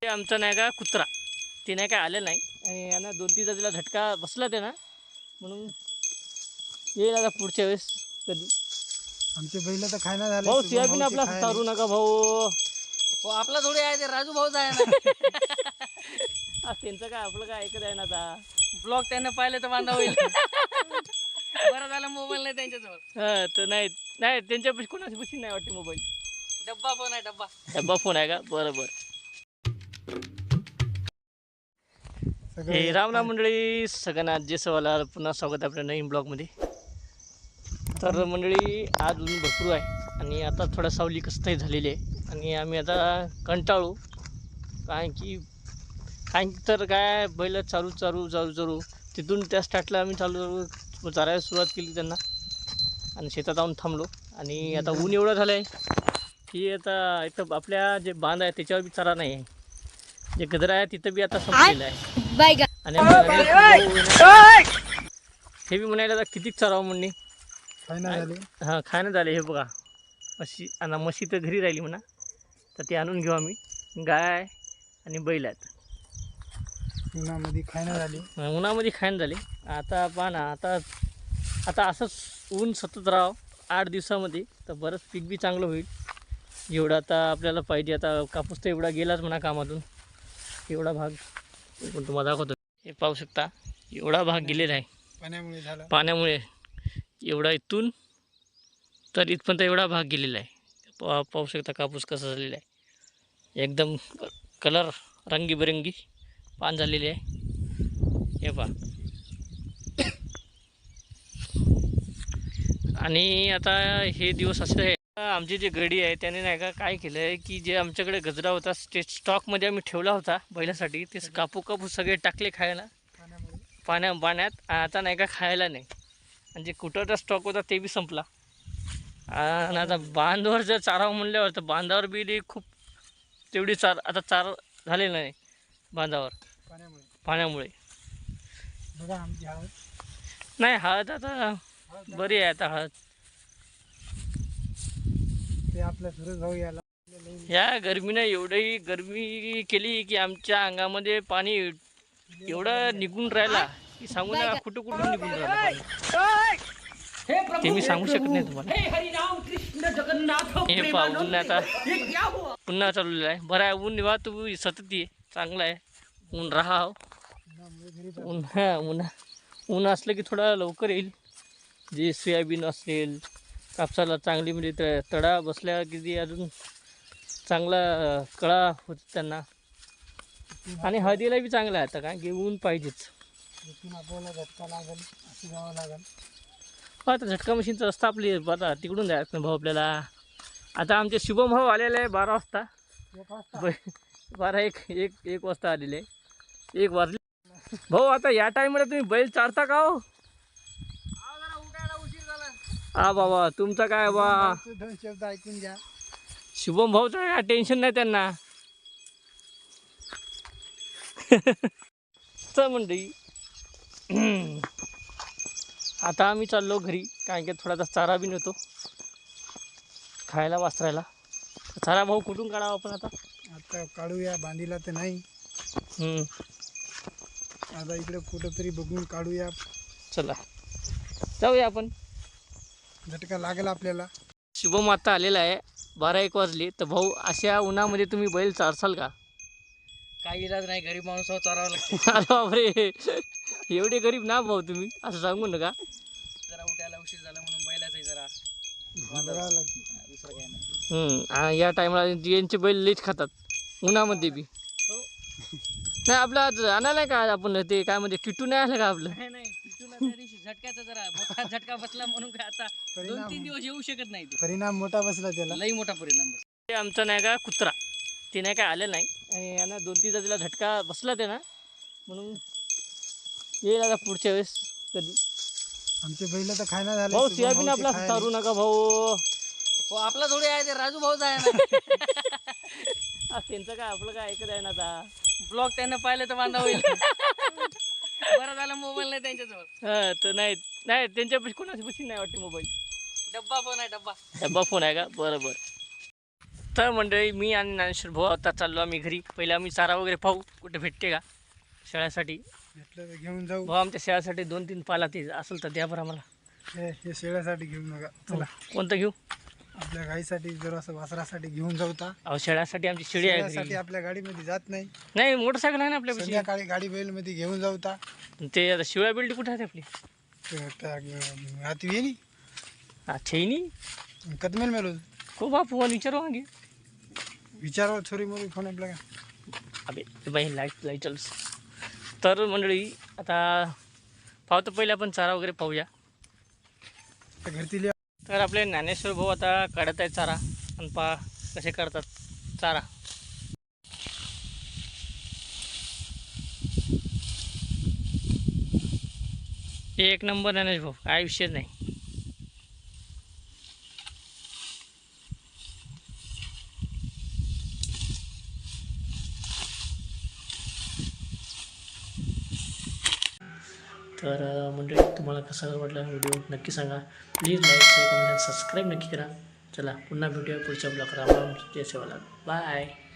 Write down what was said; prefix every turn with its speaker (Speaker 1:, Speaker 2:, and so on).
Speaker 1: आमचा नाही का कुत्रा ते नाही काय आलं नाही आणि यांना 2-3दा तिला झटका बसला ते ना म्हणून येईल आता पुढच्या वेळेस कधी.
Speaker 2: आमचे बैल तर खायला झाले.
Speaker 1: भाऊ सोयाबीन आपला तारू नका भाऊ.
Speaker 3: आपला थोडी आहे ते राजू भाऊच आहे ना.
Speaker 1: त्यांचं काय आपलं काय ऐकत आहे ना आता.
Speaker 3: ब्लॉग त्यांना पाहिलं तर बांधा होईल. बरं झालं मोबाईल नाही त्यांच्याजवळ.
Speaker 1: हा तर नाही नाही त्यांच्यापाशी कोणाच्यापाशी नाही वाटते मोबाईल.
Speaker 3: डब्बा फोन आहे डब्बा.
Speaker 1: डब्बा फोन आहे का बरोबर. हे राम राम मंडळी सगळ्यांना जे सवाला पुन्हा स्वागत आहे आपल्या नवीन ब्लॉगमध्ये. तर मंडळी आज ऊन भरपूर आहे आणि आता थोडा सावली कसतही झालेली आहे आणि आम्ही आता कंटाळू कारण की तर काय बैल चालू तिथून त्या स्टार्टला आम्ही चालू चारायला सुरुवात केली त्यांना आणि शेतात जाऊन थांबलो आणि आता ऊन एवढं झालं आहे की आता इथं आपल्या जे बांध आहे त्याच्यावर बी चारा नाही आहे. जे गजरा आहे तिथं बी आता संपलेलं आहे आणि हे बी म्हणायला आता किती चारावं म्हणणे. हां खाणं झाले. हे बघा म्हशी आणि म्हशी तर घरी राहिली म्हणा तर ती आणून घेऊ आम्ही. गाय आणि बैल आहेत.
Speaker 2: उन्हामध्ये खायनं झाले. आता पहा ना आता असंच ऊन सतत राहावं 8 दिवसामध्ये तर बरंच पीक बी चांगलं होईल. एवढं आता आपल्याला पाहिजे. आता कापूस तर एवढा गेलाच म्हणा कामातून. एवढा भाग पण तुम्हाला दाखवतो. हे पाहू शकता एवढा भाग गेलेला आहे पाण्यामुळे. एवढा इथून तर इथपर्यंत एवढा भाग गेलेला आहे. पाहू शकता कापूस कसा झालेला आहे. एकदम कलर रंगीबेरंगी पान झालेले आहे. हे पहा. आणि आता हे दिवस असे आहे. आमचे जे गडी आहे त्याने नाही का काय केलं आहे की जे आमच्याकडे गजरा होता ते स्टॉकमध्ये आम्ही ठेवला होता बैलासाठी ते कापू सगळे टाकले खायला पाण्यात. आता नाही का खायला नाही आणि जे कुटरचा स्टॉक होता ते बी संपला. आणि आता बांधावर जर चारावं म्हणल्यावर तर बांधावर बी खूप तेवढी आता चार झालेलं नाही बांधावर पाण्यामुळे. नाही हळद आता बरी आहे. आता हळद ते आपल्या सुरेश भाऊ याला
Speaker 1: ह्या गरमीनं एवढी गरमी केली की आमच्या अंगामध्ये पाणी एवढं निघून राहिला की सांगू नका कुठून निघून राहिलं पाणी ते मी सांगू शकत नाही तुम्हाला. हे पहा ऊन आता पुन्हा चाललेलं आहे. बरं आहे ऊन निवा तू सतत ये चांगलं आहे. ऊन राहा ऊन असलं की थोडा लवकर येईल. जे सोयाबीन असेल कापसाला चांगली म्हणजे तडा बसल्या किती अजून चांगला कळा होत त्यांना. आणि हळदीला बी चांगला आहे आता कारण की ऊन पाहिजेच.
Speaker 2: आपल्याला झटका लागेल असं जावं लागेल.
Speaker 1: आता झटका मशीनचा रस्ता आपली आता तिकडून जायचं ना भाऊ आपल्याला. आता आमचे शुभम भाऊ आलेले आहे 12 वाजता. 1 वाजता आलेले 1 वाजले. भाऊ आता या टाईमला तुम्ही बैल चारता का हो? हा बाबा तुमचं काय बा
Speaker 2: 2 शब्द ऐकून घ्या.
Speaker 1: शुभम भाऊचं काय टेन्शन नाही त्यांना. चल मंडळी आता आम्ही चाललो घरी कारण की थोडासा चारा बी नेतो खायला वासरायला. चारा भाऊ कुठून काढावा आपण
Speaker 2: आता काढूया. बांधीला तर नाही. आता इकडे कुठंतरी बघून काढूया.
Speaker 1: चला जाऊया आपण.
Speaker 2: झटका लागेल आपल्याला.
Speaker 1: शुभम आता आलेला आहे 12-1 वाजले. तर भाऊ अशा उन्हामध्ये तुम्ही बैल चारसाल का?
Speaker 3: काही इलाज नाही. गरीब माणूस चारावं लागते.
Speaker 1: अरे बापरे एवढे गरीब ना भाऊ तुम्ही असं सांगू नका.
Speaker 3: जरा उठायला उशीर झाला म्हणून बैलाचं जरा
Speaker 2: बांधावं लागते.
Speaker 3: दुसरं काही नाही.
Speaker 1: आणि या टायमाला यांचे बैल लेच खातात उन्हामध्ये बी. नाही आपलं आज आणायला का आपण ते काय म्हणजे किटू नाही आलं का आपलं?
Speaker 3: नाही त्या दिवशी झटक्याचा जरा मोठा झटका बसला म्हणून काय आता 2-3 दिवस येऊ शकत नाही.
Speaker 2: परिणाम मोठा बसला त्याला.
Speaker 3: लई मोठा परिणाम बसला.
Speaker 1: ते आमचा नाही का कुत्रा ते नाही काय आलं नाही आणि यांना 2-3दा तिला झटका बसला ते ना म्हणून येईल आता पुढच्या वेळेस कधी.
Speaker 2: आमचे बैल तर खायला झाले.
Speaker 1: भाऊ सोयाबीन आपला तारू नका भाऊ.
Speaker 3: आपला थोडी आहे ते राजू भाऊच आहे ना.
Speaker 1: त्यांचं काय आपलं काय ऐकत आहे ना आता.
Speaker 3: ब्लॉग त्यांना पाहिलं तर बांधा होईल. बरं झालं मोबाईल नाही त्यांच्याजवळ.
Speaker 1: हां तर नाही त्यांच्यापाशी कोणाच्यापाशी नाही वाटते मोबाईल.
Speaker 3: डब्बा फोन आहे डब्बा.
Speaker 1: डब्बा फोन आहे का बरोबर. तर मंडळी मी आणि ज्ञानेश्वर भाऊ आता चाललो आम्ही घरी. पहिले आम्ही चारा वगैरे पाहू कुठे भेटते का शेळ्यासाठी.
Speaker 2: भेटलं तर घेऊन जाऊ.
Speaker 1: भाऊ आमच्या शेळ्यासाठी 2-3 पाला ते असेल तर द्या बरं आम्हाला.
Speaker 2: हे शेळ्यासाठी घेऊ नका. चला
Speaker 1: कोणतं घेऊ?
Speaker 2: आपल्या गाईसाठी जर असं वासरासाठी घेऊन जाऊ ता.
Speaker 1: अहो शेळ्यासाठी आमची शेळी आहे
Speaker 2: शेळ्यासाठी
Speaker 1: घरी.
Speaker 2: आपल्या गाडीमध्ये जात नाही.
Speaker 1: नाही मोटरसायकल आहे ना आपल्यापाशी.
Speaker 2: संध्याकाळी गाडी बैलमध्ये घेऊन जाऊ ता.
Speaker 1: ते आता शिवळ्या बिल्डी कुठे आहे आपली?
Speaker 2: आता येईल
Speaker 1: अच्छा नाही
Speaker 2: कदमेल मेलो
Speaker 1: को बापू आणि विचारू मागे.
Speaker 2: विचारावं छोरी मोरी फोन आपल्या
Speaker 1: अबे बाई लाईट चालूस. तर मंडळी आता पाहतो पहिले आपण चारा वगैरे पाहूया.
Speaker 2: घरती.
Speaker 1: तर आपले ज्ञानेश्वर भाऊ आता काढत आहे चारा आणि पहा कसे करतात चारा. एक नंबर ज्ञानेश भाऊ, काय विषय नाही. तर मंडळी तुम्हाला कसा वाटला व्हिडिओ नक्की सांगा. Please like share comment subscribe नक्की करा. चला पुन्हा भेटूया पुढच्या ब्लॉगला. जय सेवालाल. बाय.